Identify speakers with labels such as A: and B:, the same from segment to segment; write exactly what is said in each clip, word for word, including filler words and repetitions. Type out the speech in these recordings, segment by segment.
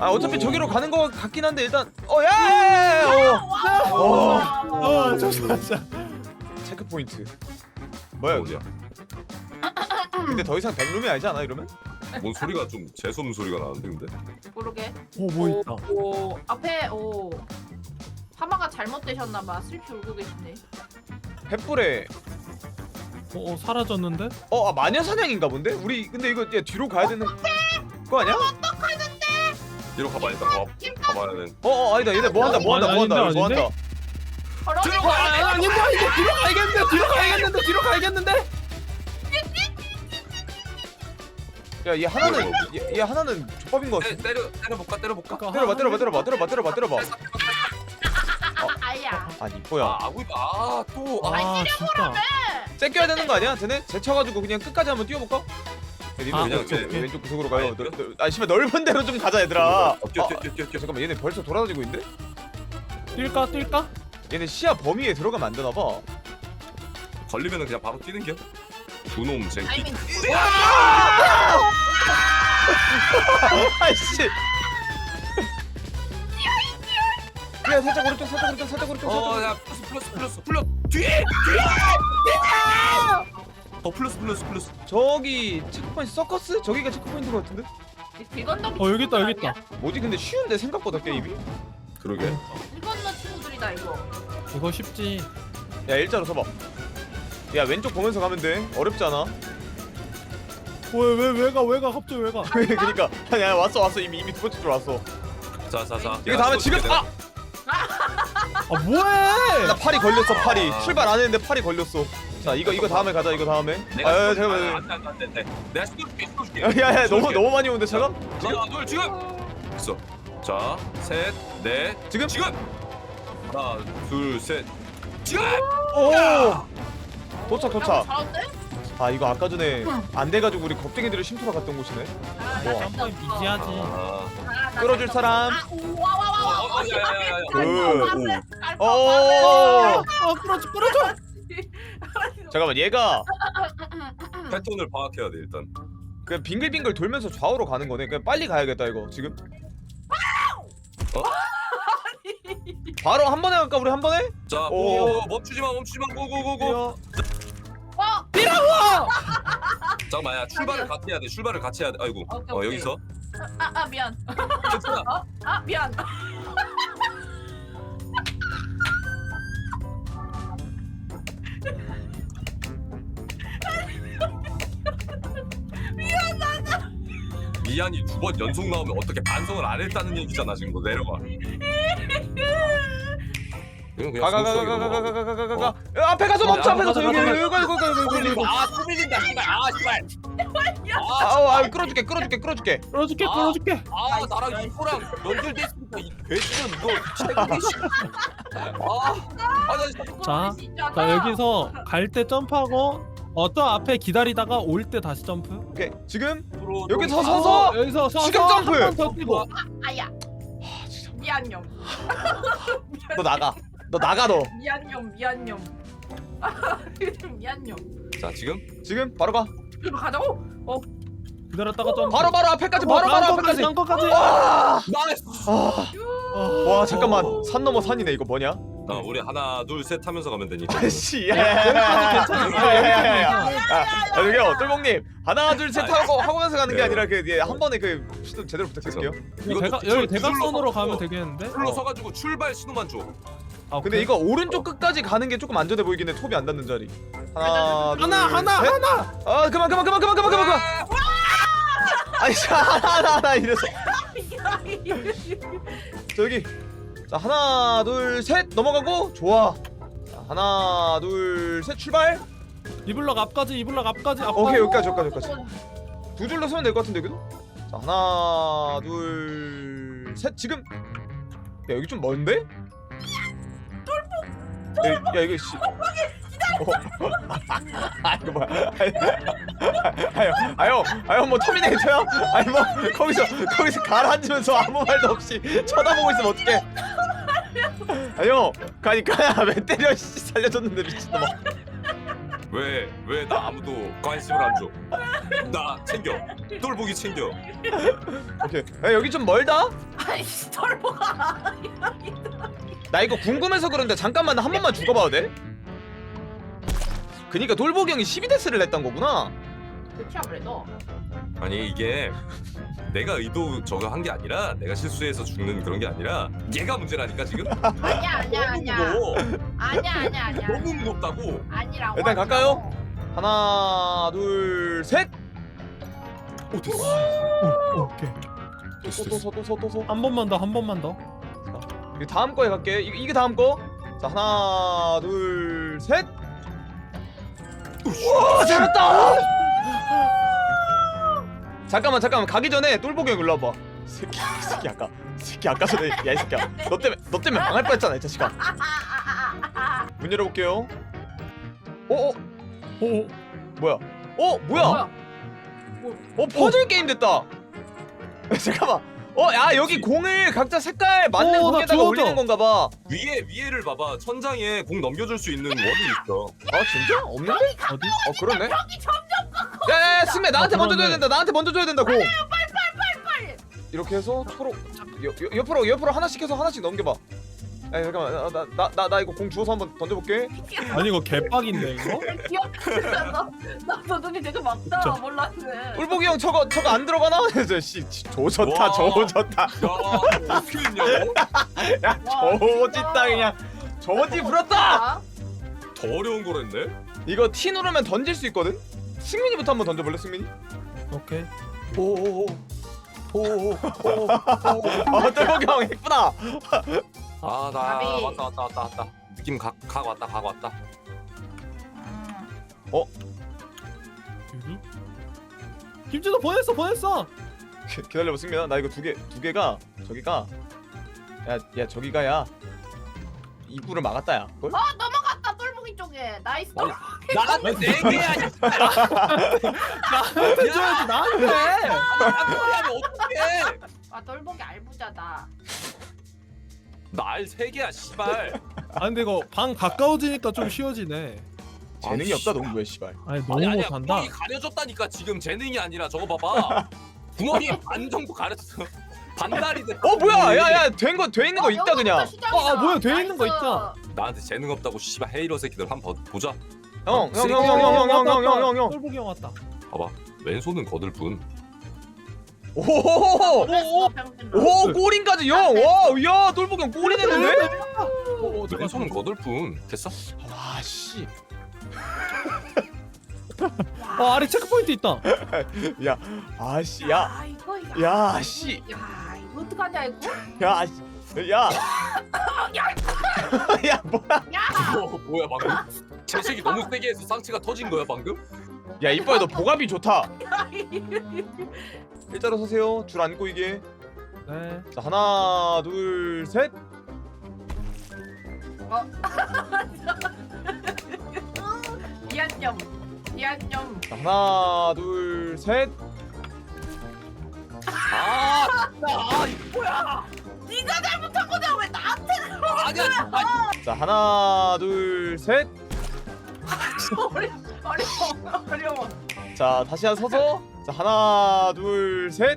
A: 아 어차피 저기로 가는 거 같긴 한데 일단 어야
B: 어 잠시만.
A: 체크 포인트 뭐야
C: 어디야?
A: 근데 더 이상 백룸이 아니지 않아 이러면?
C: 뭔 소리가 좀 재수없는 소리가 나는데 근데?
D: 모르게.
B: 오뭐 있다.
D: 오, 앞에 오. 하마가 잘못되셨나봐. 슬피 울고 계시네.
A: 횃불에
B: 어, 어 사라졌는데?
A: 어 아, 마녀 사냥인가 본데? 우리 근데 이거 야, 뒤로 가야 되는 거 아니야?
C: 뒤로 가봐 일단 가, 가봐야 돼.
A: 어어 아니다 얘네 뭐 한다 뭐 한다 뭐 한다
B: 아닌데,
A: 뭐
B: 아닌데?
A: 한다
D: 걸어.
B: 아, 아닌데 이제 뒤로 가야겠는데 뒤로 가야겠는데 뒤로 가야겠는데.
A: 야얘 하나는 얘, 얘 하나는 족밥인 거 같아
C: 때, 때려 때려볼까 때려볼까?
A: 때려봐 때려봐 때려봐 때려봐 때려봐 때려봐
D: 아, 아야.
A: 아니 이뻐야
C: 아 아구 아또 아,
B: 아 진짜.
A: 째껴야 되는 거 아니야? 쟤네? 제쳐가지고 그냥 끝까지 한번 뛰어볼까? 야, 니들
B: 아,
A: 왼쪽,
C: 그냥, 그냥.
A: 왼쪽 구석으로 가요
C: 아니,
A: 너, 너, 아 씨발 넓은 데로 좀 가자 얘들아
C: 어, 뛰어
A: 아,
C: 뛰어 뛰어 뛰어 뛰어.
A: 잠깐만 얘네 벌써 돌아다니고 있는데?
B: 뛸까 뛸까?
A: 얘네 시야 범위에 들어가면 안 되나봐
C: 걸리면은 그냥 바로 뛰는 겨. 두놈 쟁기.
D: 타이밍.
A: 아이씨 야 살짝 오른쪽 살짝 오른쪽 살짝 오른쪽 살짝 오른쪽
C: 어야 플러스 플러스 플러스 플러스 뒤에 뒤에 어 플러스 플러스 플러스.
A: 저기 체크포인트 서커스? 저기가 체크포인트 것 같은데?
D: 길 건너기.
B: 어 여기 있다 여기
D: 친구들
B: 있다.
A: 뭐지 근데 쉬운데 생각보다 게임이?
C: 그러게.
D: 아니야? 길 건너 친구들이다 이거.
B: 이거 쉽지.
A: 야 일자로 서봐 야 왼쪽 보면서 가면 돼 어렵지 않아
B: 왜왜 왜가 왜가 갑자기 왜가?
A: 그니까 아니 아니 왔어 왔어 이미 이미 두 번째 줄 왔어
C: 자자자.
A: 이거 다음에 지금 아!
B: 아 뭐해?
A: 나 팔이 걸렸어 팔이
C: 아.
A: 출발 안 했는데 팔이 걸렸어 자 이거 이거 다음에 가자 이거 다음에
C: 내가
A: 아 야,
C: 아,
A: 잠깐만
C: 안돼 안돼 안돼. 내가 쏠게 쏠게.
A: 야야 너무
C: 쏠게.
A: 너무 많이 오는데 잠깐
C: 하나 둘 지금. 있어. 자, 셋, 넷.
A: 지금
C: 지금. 하나, 둘, 셋. 지금.
A: 오 도착
D: 야,
A: 도착
D: 잘한데?
A: 아 이거 아까 전에 안 돼가지고 우리 겁쟁이들을 쉼터로 갔던 곳이네
D: 아,
A: 뭐.
D: 나
B: 점프 이지하지.
C: 아.
D: 아, 나
A: 끌어줄
D: 잘
A: 사람.
D: 아, 오, 와, 와, 와, 와.
C: 어, 어, 야, 야, 야, 야.
A: 그.
D: 오.
A: 오
B: 아 끌어줘 끌어줘.
A: 잠깐만 얘가
C: 패턴을 파악해야 돼 일단.
A: 그냥 빙글빙글 돌면서 좌우로 가는 거네. 그냥 빨리 가야겠다 이거 지금.
C: 어?
A: 바로 한 번에 갈까 우리 한 번에?
C: 자,
A: 오.
C: 오, 멈추지 마, 멈추지 마, 고고고고.
D: 어.
C: 잠깐만, 야 출발을 같이 해야 돼. 출발을 같이 해야 돼. 아이고,
D: 오케이,
C: 어
D: 오케이.
C: 여기서.
D: 아, 아 미안.
C: 괜찮아.
D: 어? 아 미안.
C: 미안이 두 번 연속 나오면 어떻게 반성을 안 했다는 얘기잖아 지금. 너 내려가. 이건 그냥 스무스하게 넘어가고.
A: 가가가가가가가가가가. 앞에 가서 멈춰. 앞에 가서 여기 여기 여기 여기 여기 여기.
E: 아, 또 밀린다, 씨발. 아, 씨발.
A: 아우 아 끌어줄게 끌어줄게 끌어줄게.
B: 끌어줄게
E: 아.
B: 끌어줄게.
C: 아, 나랑 이거랑 연결됐으니까 이 배지는 이거 최고의 씨. 아, 아, 나 진짜.
B: 자, 자 여기서 갈 때 점프하고 어저 앞에 기다리다가 올 때 다시 점프.
A: 오케이 지금
C: 앞으로
A: 여기
C: 좀-
A: 서서 서서
B: 어, 여기서 서서
A: 지금 점프!
B: 한번더 뛰고.
D: 아야. 미안념.
A: 너 나가. 너 나가 너.
D: 미안념 미안념. 미안념.
C: 자, 지금
A: 지금 바로 가.
D: 이거 가자고? 어.
B: 기다렸다가 점프.
A: 바로 바로 앞에까지 바로 바로 앞에까지.
B: 간 거까지.
A: 와.
C: 나이스.
A: 아. 와 잠깐만 산 넘어 산이네 이거 뭐냐?
C: 자, 우리 하나, 둘, 셋 하면서 가면 되니까.
A: 아씨
B: 여기까지 괜찮아.
A: 야야야야야. 아 저기요 똘봉님 하나 둘 셋 하고 하고면서 가는 게 아니라 그한 번에 그 시도 제대로 부탁드릴게요.
C: 이것도
B: 대각
C: 줄-
B: 여기
C: 줄로
B: 대각선으로
C: 서서
B: 가면 되겠는데?
C: 줄로 서가지고 출발 신호만 줘.
B: 아,
A: 근데
B: 오케이.
A: 이거 오른쪽 끝까지 가는 게 조금 안전해 보이긴 해. 톱이 안 닿는 자리. 하나 둘,
B: 하나 하나
A: 셋.
B: 하나.
A: 아 그만 그만 그만 그만 그만 그만 그만. 아니 자, 하나 하나 하나 이래서 저기 자 하나 둘 셋 넘어가고 좋아. 자, 하나 둘 셋 출발.
B: 이블럭 앞까지 이블럭 앞까지 앞.
A: 오케이 여기까지 여기까지 여기까지. 두 줄로 서면 될 것 같은데 여기도? 자 하나 둘 셋 지금. 야 여기 좀 먼데? 야, 야 이거 씨. 어. 아 이거 뭐야? 아유 아유 아유 뭐 터미네이터야? 아니 뭐 거기서 거기서 가라앉으면서 아무 말도 없이 쳐다보고 있으면 어떡해? 아유 가니까 왜 때려? 씨 살려줬는데 미친놈아.
C: 왜 왜 나 아무도 관심을 안 줘? 나 챙겨. 똘보기 챙겨.
A: 오케이. 야 여기 좀 멀다?
D: 아이씨 털보가.
A: 나 이거 궁금해서 그런데 잠깐만 한 번만 죽어봐도 돼? 그니까 돌보기 형이 십이 데스를 냈던 거구나.
D: 그렇지 아무래도.
C: 아니 이게 내가 의도 저거 한 게 아니라 내가 실수해서 죽는 그런 게 아니라 얘가 문제라니까 지금.
D: 아니야 아니야 아니야.
C: 무거워.
D: 아니야 아니야 아니야.
C: 너무 무겁다고.
D: 아니라고.
A: 일단 갈까요? 하나 둘 셋.
C: 오 됐어.
B: 오, 오케이.
C: 됐어 됐어.
A: 또서또서또서.
B: 한 번만 더 한 번만 더.
A: 이 다음 거에 갈게. 이, 이게 다음 거. 자 하나 둘 셋. 우와 잘했다. 잠깐만 잠깐만 가기 전에 똘보기 형 일로 와봐. 이 새끼 이 새끼 아까 이 새끼 아까 전에 야 이 새끼야 너 때문에 너 때문에 망할 뻔했잖아 이 자식아. 문 열어볼게요. 어어
B: 오.
A: 뭐야? 어 뭐야?
D: 뭐야?
A: 어 퍼즐 게임 됐다. 잠깐만. 어 야 여기 공을 각자 색깔 맞는
B: 어, 나
A: 공에다가
B: 주워줘.
A: 올리는 건가 봐.
C: 위에 위에를 봐봐. 천장에 공 넘겨줄 수 있는 원이 있어.
A: 아 진짜? 없는데?
B: 어디?
A: 어 그러네.
D: 형이 점점
A: 야야야 승매 나한테
B: 아,
A: 먼저 줘야
B: 그러네.
A: 된다. 나한테 먼저 줘야 된다 공.
D: 빨빨빨빨.
A: 이렇게 해서 초록 여, 여, 옆으로 옆으로 하나씩 해서 하나씩 넘겨봐. 야 잠깐만 나 나 나 나 이거 공 주워서 한번 던져볼게.
B: 아니 이거 개빡인데 이거?
D: 귀엽다. 나도 눈이 되게 막다.
B: 진짜.
D: 몰랐네.
A: 똘보기 형 저거 저거 안 들어가나? 그래서 씨 조졌다
C: 와.
A: 조졌다.
C: 야 어떻게 했냐고?
A: 야 조짓다 그냥 조지 부렸다.
D: 아,
C: 더 어려운 걸 했네.
A: 이거 T 누르면 던질 수 있거든. 승민이부터 한번 던져볼래 승민이?
B: 오케이.
A: 오오오 오오오 어 똘보기 형 예쁘다.
C: 아나
D: 가비.
C: 왔다 왔다 왔다 왔다. 느낌 각, 각 왔다 각 왔다.
B: 여기? 김준호 보냈어 보냈어.
A: 기- 기다려봐 승민아 나 이거 두 개 두 개가 저기가 야 야 저기가야 입구를 막았다 야. 그걸?
D: 어 넘어갔다 똘보기 쪽에. 나이스.
C: 아니, 나한테 네 개야.
B: 나한테 줘야지 나한테.
C: 한 소리 하면 어떡해?
D: 아 똘보기 알부자다.
C: 나 알 세 개야 씨발.
B: 아 근데 이거 방 가까워지니까 좀 쉬워지네.
A: 재능이
C: 아,
A: 없다 농구에 씨발.
B: 아니 너무
C: 아니 아니야
B: 못한다.
C: 구멍이 가려졌다니까 지금 재능이 아니라 저거 봐봐. 구멍이 반 정도 가려졌어. 반달이 됐.
A: 어 뭐야 야야 된 거 돼 있는 거
D: 어,
A: 있다
D: 여기부터
A: 그냥.
D: 시작이다.
B: 어, 아, 뭐야, 돼 있는 거
D: 나이스.
B: 있다.
C: 나한테 재능 없다고 씨발 헤이러 새끼들 한번 보자.
A: 형 형 형 형 형 형 형 형 형 형.
B: 똘보기 형 왔다.
C: 봐봐. 왼손은 거들뿐.
A: 오호호호.
D: 오, 병신아.
A: 오 골인까지 형. 와야 똘보기 형 골이 됐는데?
B: 오,
C: 왼손은 거들뿐. 됐어?
A: 와 씨.
B: 어 아래 체크포인트 있다.
A: 야 아씨 야.
D: 아 이거 이거.
A: 야 씨.
D: 야 이거 어떡하냐 이거?
A: 야 씨. 야. 야 뭐야?
D: 야.
C: 어, 뭐야 방금? 재색이 너무 세게 해서 상체가 터진 거야 방금?
A: 야 이뻐야 너 보갑이 좋다. 일자로 서세요. 줄 안고 이게.
B: 네.
A: 자 하나 둘 셋.
D: 미안점. 미안점.
A: 자 하나 둘 셋.
C: 아, 아
D: 뭐야? 네가 잘못한 거잖아 왜 나한테
C: 아니야. 아니,
A: 자 하나 둘 셋.
D: 어려 어려워 어려워.
A: 자 다시 한 서서. 자 하나 둘 셋.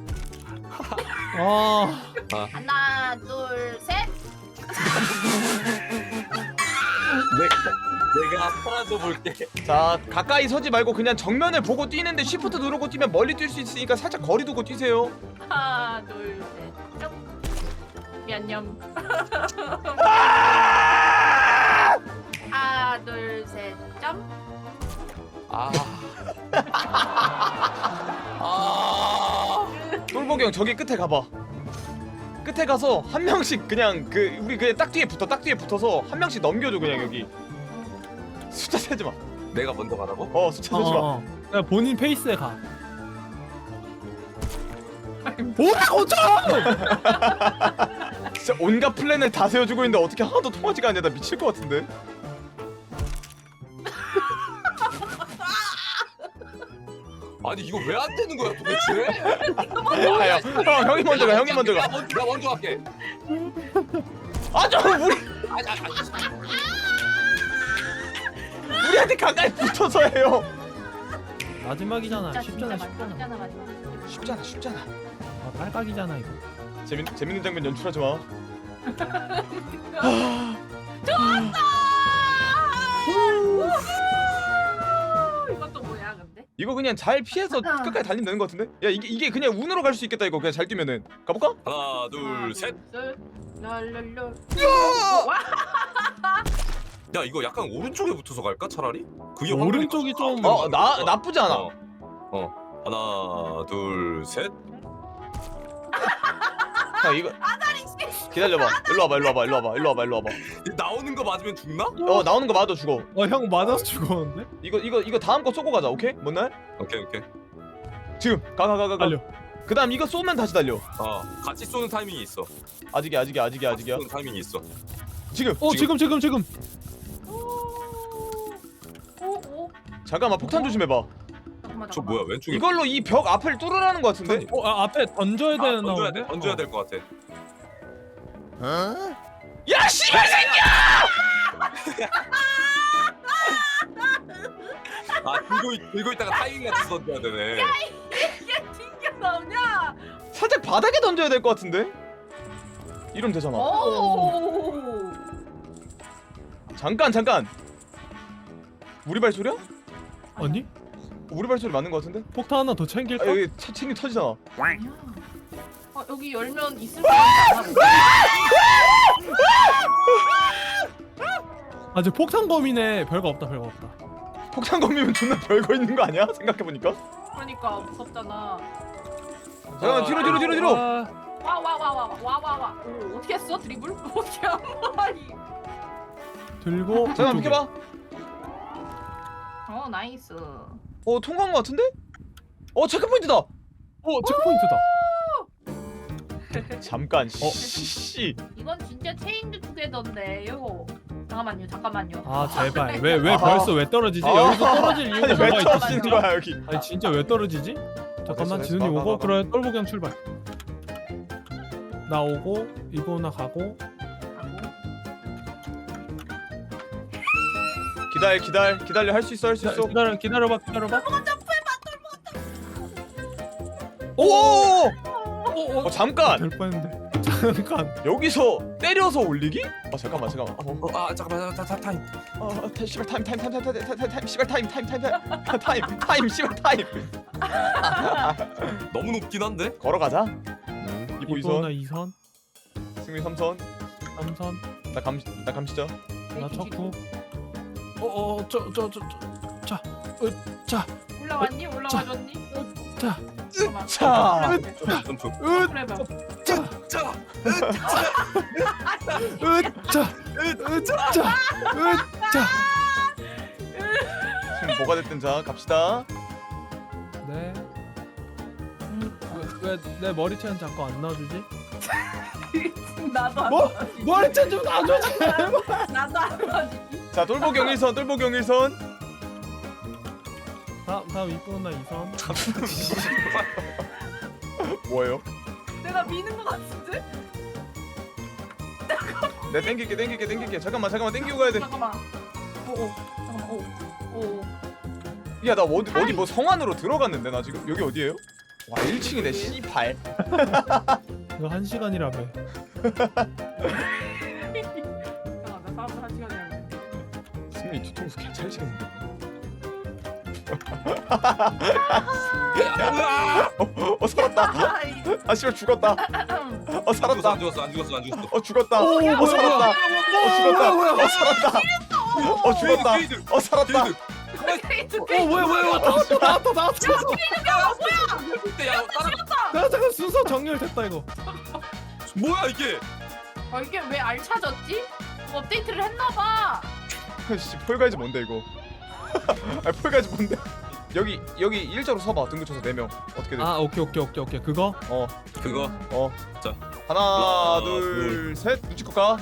B: 아
D: 하나 둘 셋.
C: 내가 내가 사라져 볼게.
A: 자 가까이 서지 말고 그냥 정면을 보고 뛰는데 쉬프트 누르고 뛰면 멀리 뛸 수 있으니까 살짝 거리 두고 뛰세요.
D: 하나 둘 셋. 점. 미안점. 하나 둘 셋. 점.
C: 아. 아.
A: 똘보기 형 저기 끝에 가봐. 끝에 가서 한 명씩 그냥 그 우리 그냥 딱 뒤에 붙어 딱 뒤에 붙어서 한 명씩 넘겨줘 그냥 여기. 숫자 세지 마.
C: 내가 먼저 가라고?
A: 어 숫자 세지 마.
B: 어. 그냥 본인 페이스에 가. 뭐야 어쩌?
A: 진짜 온갖 플랜을 다 세워주고 있는데 어떻게 하나도 통하지가 않냐. 나 미칠 것 같은데.
C: 아니 이거 왜 안 되는 거야 도대체?
A: 아야 형 형이 먼저 가 형이 먼저
C: 내가
A: 가.
C: 먼저, 내가 먼저 갈게.
A: 아좀 우리
C: 아니 아니 아니.
A: 우리한테 가까이 붙어서 해요.
B: 마지막이잖아.
D: 진짜
B: 쉽잖아
D: 진짜
B: 쉽잖아.
D: 맞잖아 맞잖아.
A: 쉽잖아 쉽잖아.
B: 아, 딸깍이잖아 이거.
A: 재밌 재밌는 장면 연출하지 마.
D: 이것도 뭐야 근데?
A: 이거 그냥 잘 피해서 끝까지 달리면 되는 것 같은데? 야 이게 이게 그냥 운으로 갈 수 있겠다 이거 그냥 잘 뛰면은 가볼까?
C: 하나 둘 셋.
D: 랄랄랄.
C: 야 이거 약간 오른쪽에 붙어서 갈까 차라리? 그게
B: 오른쪽이 좀-
A: 어 나 나쁘지 않아.
C: 어, 어. 하나 둘 셋.
A: 형 이거 기다려봐. 일로 와봐 일로 와봐 일로 와봐 일로 와봐 일로 와봐.
C: 나오는 거 맞으면 죽나?
A: 어 나오는 거 맞아 죽어.
B: 어 형 맞아서 죽었는데?
A: 이거 이거 이거 다음 거 쏘고 가자 오케이? 뭔 날?
C: 오케이 오케이.
A: 지금 가 가 가 가 가.
B: 달려.
A: 그 다음 이거 쏘면 다시 달려.
C: 어 같이 쏘는 타이밍이 있어.
A: 아직이야 아직이야 아직이야 아직이야.
C: 쏘는 타이밍이 있어.
A: 지금.
B: 어 지금 지금 지금.
D: 오오.
A: 잠깐만 폭탄 조심해봐.
D: 잠깐만.
C: 저 뭐야 왼쪽에?
A: 이걸로 이 벽 앞을 뚫으라는 거 같은데?
B: 어 아, 앞에 던져야
C: 아,
B: 되는
C: 던져야
B: 나오는데?
C: 돼 던져야
B: 어.
C: 될 것 같아.
A: 야 씨발 새끼야!
C: 아 들고 있- 들고 있다가 타이밍 맞춰서 던져야 되네.
D: 이게 튕겨 나오냐?
A: 살짝 바닥에 던져야 될 것 같은데? 이러면 되잖아.
D: 오.
A: 잠깐 잠깐. 우리 발소리야?
B: 아니?
A: 우리 발소리 맞는 것 같은데?
B: 폭탄 하나 더 챙길까?
A: 아 여기 차 챙기 터지잖아.
D: 아니야. 어 여기 열면 있을 것 같아.
B: 아직 폭탄 범위네. 별거 없다 별거 없다.
A: 폭탄 검이면 존나 별거 있는 거 아니야? 생각해보니까.
D: 그러니까 무섭잖아.
A: 잠깐만 뒤로 뒤로 뒤로 뒤로.
B: 아,
D: 와 와 와 와 와 와 와. 오 어떻게 했어 드리블? 어떻게 한 거야?
B: 들고
A: 잠깐만
B: 이쪽에.
A: 비켜봐.
D: 어 나이스.
A: 어 통과한 거 같은데? 어 체크포인트다.
B: 어 체크포인트다.
A: 잠깐.
B: 어.
A: 씨.
D: 이건 진짜 체인드 투게더인데요. 잠깐만요 잠깐만요.
B: 아 제발 왜 왜
A: 아하.
B: 벌써 왜 떨어지지?
A: 아.
B: 여기서 떨어질 이유가
A: 아니 왜
B: 뭐가 있지?
A: 터지는 거야 여기?
B: 아니 진짜 왜 떨어지지? 잠깐만
A: 됐어,
B: 지훈이
A: 됐어. 가,
B: 오고
A: 가, 가.
B: 그래 똘보기 형 출발. 나 오고 이거나 가고.
A: 기다려 기다려 기다려 할 수 있어 할 수 있어.
B: 기다려 기다려봐 기다려봐.
A: 오!
B: 오,
A: 어 잠깐
B: 될 뻔했는데. 잠깐.
A: 여기서 때려서 올리기? 아 잠깐만 잠깐만. 어,
C: 어, 아 잠깐만 타, 타, 타임.
A: 어, 어, 타- 씨발 타임 타임 타임 타임 타임 타임 타임 타임 씨발 타임 타임 타임 타임 타임 타임 씨발 타임.
C: 너무 높긴 한데.
A: 걸어가자. 음, 이보
B: 이보나
A: 이
B: 이 선,
A: 선, 승민 삼 선.
B: 삼 선,
A: 나 감, 나 감시죠.
B: 나 척구. 어어 저 저 저 저 자, 으, 자,
D: 올라왔니? 올라와줬니?
B: 자,
D: 잠깐만.
A: 차.
C: 점프.
B: 으,
D: 그래 봐.
B: 자,
C: 자.
B: 으, 자, 으, 자, 으, 자.
A: 지금 뭐가 됐든 자 갑시다.
B: 네. 왜 내 머리채는 자꾸 안 놔주지?
D: 나도 안
B: 뭐?
D: 넣어주지.
B: 머리채 좀 놔줘지.
D: 나도 안 넣어주지.
A: 자 똘보경 일 선 똘보경 일 선.
B: 다음 다음 이보나 이 선.
A: 뭐예요?
D: 내가 미는 거 같은데?
A: 내 땡길게 땡길게 땡길게. 잠깐만 잠깐만 땡기고 가야 돼.
D: 잠깐만. 오오. 잠깐만. 오. 오.
A: 야 나 어디 어디 뭐 성 안으로 들어갔는데 나 지금 여기 어디예요? 와 일 층이네 씨발.
B: 이거 한 시간이라며.
D: 잠깐만. 나 사람들 한 시간 해야 돼.
A: 승민이 뒤통수 개찰지겠는데. 어, 어 살았다.
D: 아이.
A: 아 씨발 죽었다. 어
C: 죽었어
A: 살았다.
C: 안 죽었어 안 죽었어 안 죽었어.
A: 어 죽었다.
B: 오,
A: 어
B: 뭐야,
A: 살았다. 어 죽었다.
B: 뭐야, 뭐야.
A: 어 살았다. 어 죽었다.
C: 게이드,
A: 어 살았다.
C: 게이드.
B: 어 뭐야 뭐야 나왔다 나왔다 나왔다.
C: 야 따라.
B: 나 잠깐 순서 정렬됐다 이거.
C: 뭐야 이게?
D: 아 이게 왜 알 찾았지? 업데이트를 했나봐.
A: 씨 폴가이즈 뭔데 이거? 아 폴가이즈 뭔데? 여기 여기 일자로 서봐. 등 붙여서 네 명. 어떻게 돼?
B: 아 오케이 오케이 오케이 오케이 그거.
A: 어
C: 그거.
A: 어.
C: 자.
A: 하나
C: 하나,
A: 둘 셋. 눈치껏 가.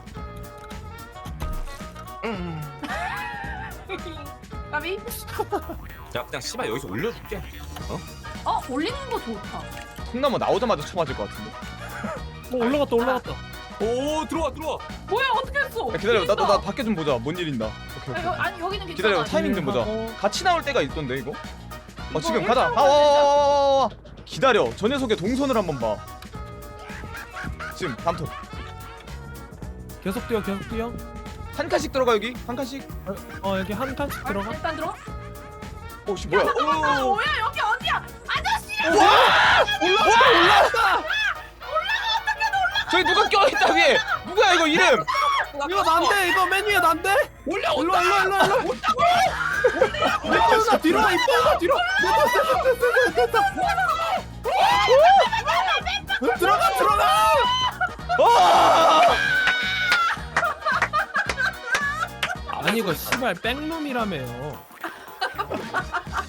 D: 까비?
C: 야 그냥 씨발 여기서 올려줄게.
D: 어 올리는 거 좋다.
A: 통나무 나오자마자 쳐맞을 것 같은데.
B: 어 올라갔다 올라갔다.
C: 오 들어와 들어와.
D: 뭐야 어떻게 했어?
A: 야, 기다려. 나나 나
D: 나
A: 밖에 좀 보자. 뭔 일인다. 오케이 오케이.
D: 아니 여기는 괜찮아.
A: 기다려. 타이밍 좀 보자.
B: 하고.
A: 같이 나올 때가 있던데 이거. 어
D: 이거
A: 지금 가자.
D: 일자로
A: 아, 와,
D: 가야
A: 와, 와, 와, 와. 기다려. 저 녀석의 동선을 한번 봐. 지금 다음 턴.
B: 계속 뛰어 계속 뛰어.
A: 한 칸씩 들어가 여기. 한 칸씩.
B: 어 여기 한 칸씩
D: 아,
B: 들어가.
D: 일단 들어.
A: 오씨 뭐야?
D: 아 뭐야 여기 어디야? 아저씨.
A: 저기 누가 껴있다 위에. 누구야 이거 이름?
B: 이거 난데 이거 맨 위에 난데. 올려 올라 올라 올라 올라. 올라. 나 뒤로 와 이뻐 나 뒤로. 됐다 됐다 됐다. 들어가 들어가.
A: 아!
B: 아니 이거 씨발 백룸이라며요.